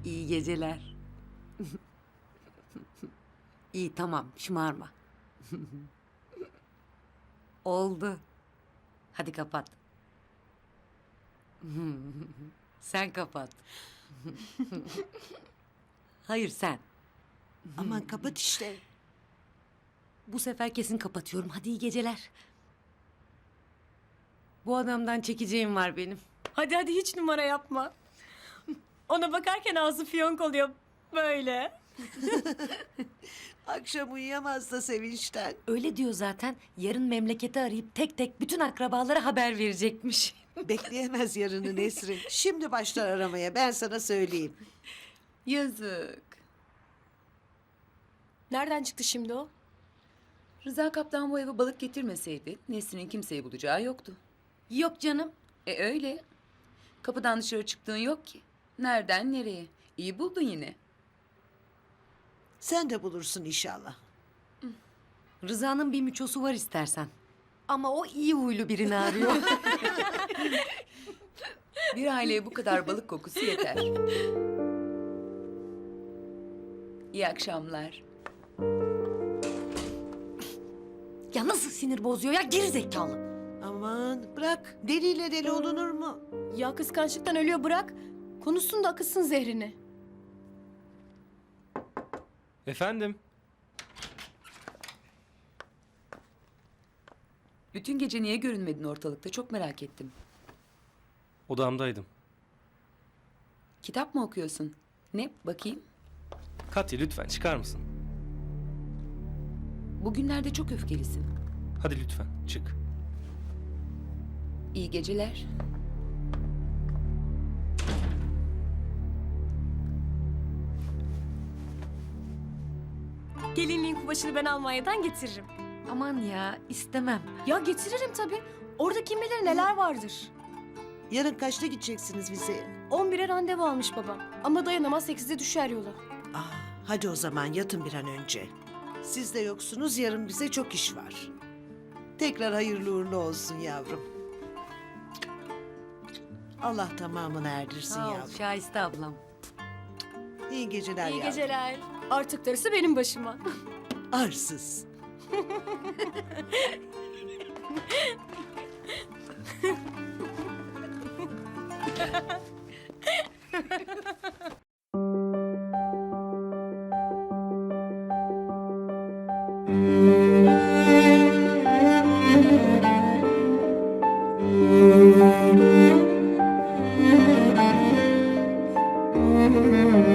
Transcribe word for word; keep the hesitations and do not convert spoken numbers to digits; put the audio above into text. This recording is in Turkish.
İyi geceler. İyi tamam şımarma. Oldu. Hadi kapat. Sen kapat. Hayır sen. Aman kapat işte. Bu sefer kesin kapatıyorum. Hadi iyi geceler. Bu adamdan çekeceğim var benim. Hadi hadi hiç numara yapma. Ona bakarken ağzı fiyonk oluyor böyle. Akşam uyuyamaz da sevinçten. Öyle diyor zaten. Yarın memleketi arayıp tek tek bütün akrabalara haber verecekmiş. Bekleyemez yarını Nesrin. Şimdi başlar aramaya, ben sana söyleyeyim. Yazık. Nereden çıktı şimdi o? Rıza kaptan bu eve balık getirmeseydi Nesrin'in kimseyi bulacağı yoktu. Yok canım. E öyle. Kapıdan dışarı çıktığın yok ki. Nereden nereye? İyi buldun yine. Sen de bulursun inşallah. Rıza'nın bir müçosu var istersen. Ama o iyi huylu birini arıyor. Bir aileye bu kadar balık kokusu yeter. İyi akşamlar. Ya nasıl sinir bozuyor ya geri zekalı. Aman bırak, deliyle deli olunur mu? Ya kıskançlıktan ölüyor bırak. Konuşsun da akıtsın zehrini. Efendim? Bütün gece niye görünmedin ortalıkta? Çok merak ettim. Odamdaydım. Kitap mı okuyorsun? Ne? Bakayım. Katya lütfen çıkar mısın? Bugünlerde çok öfkelisin. Hadi lütfen çık. İyi geceler. Gelinliğin kumaşını ben Almanya'dan getiririm. Aman ya istemem. Ya getiririm tabii. Orada kim bilir neler vardır. Yarın kaçta gideceksiniz vizeye? on bire randevu almış babam. Ama dayanamaz sekizde düşer yola. Ah, hadi o zaman yatın bir an önce. Siz de yoksunuz, yarın bize çok iş var. Tekrar hayırlı uğurlu olsun yavrum. Allah tamamını erdirsin Sağ ol yavrum. Şahiste ablam. İyi geceler İyi yavrum. geceler. Artık darısı benim başıma. Arsız. Thank you.